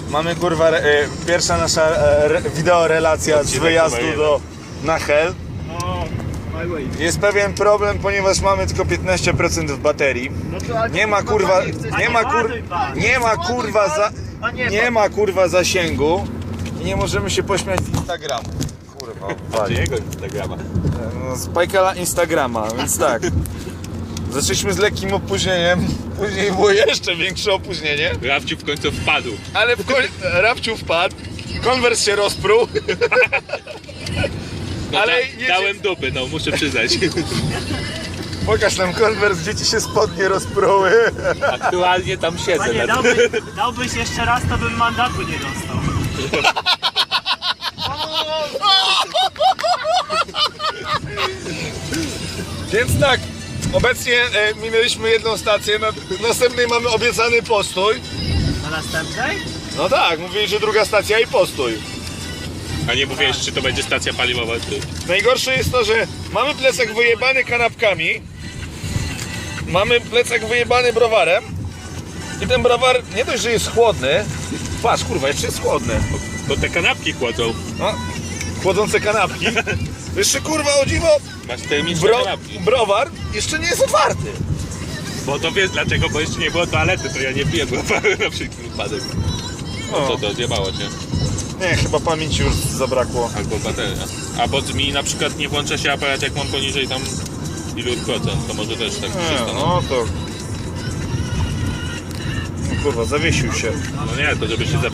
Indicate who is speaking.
Speaker 1: Mamy kurwa pierwsza nasza wideorelacja z wyjazdu na Hel. Jest pewien problem, ponieważ mamy tylko 15% w baterii. Nie ma kurwa, nie ma kurwa zasięgu i nie możemy się pośmiać z Instagramu. Kurwa,
Speaker 2: Jego Instagrama.
Speaker 1: z Pajkala Instagrama, więc tak. Zaczęliśmy z lekkim opóźnieniem, później było jeszcze większe opóźnienie.
Speaker 2: Rafciu w końcu wpadł.
Speaker 1: Ale Rafciu wpadł, konwers się rozpruł.
Speaker 2: No
Speaker 1: ale
Speaker 2: dałem dupy, no muszę przyznać.
Speaker 1: Pokaż nam konwers, gdzie ci się spodnie rozpruły.
Speaker 2: Aktualnie tam siedzę.
Speaker 3: Panie, dałbyś jeszcze raz, to bym mandatu nie dostał.
Speaker 1: Więc tak, obecnie minęliśmy jedną stację, na następnej mamy obiecany postój.
Speaker 3: Na następnej?
Speaker 1: No tak, mówili, że druga stacja i postój.
Speaker 2: A nie mówiłeś, czy to będzie stacja paliwowa, czy...
Speaker 1: Najgorsze jest to, że mamy plecak wyjebany kanapkami, mamy plecak wyjebany browarem i ten browar nie dość, że jest chłodny, patrz kurwa, jeszcze jest chłodny.
Speaker 2: To te kanapki chłodzą.
Speaker 1: No, chłodzące kanapki. Jeszcze kurwa o dziwo,
Speaker 2: Masz termiczne kanapki.
Speaker 1: browar jeszcze nie jest otwarty.
Speaker 2: Bo to wiesz dlaczego, bo jeszcze nie było toalety, to ja nie piję browaru na wszelki wypadek. No co to, zjebało cię?
Speaker 1: Nie, chyba pamięci już zabrakło.
Speaker 2: Albo bateria. A bo mi na przykład nie włącza się aparat, jak mam poniżej tam ilu procent, to może też tak się stanie.
Speaker 1: No to... Kurwa, zawiesił się.
Speaker 2: No nie, to żeby się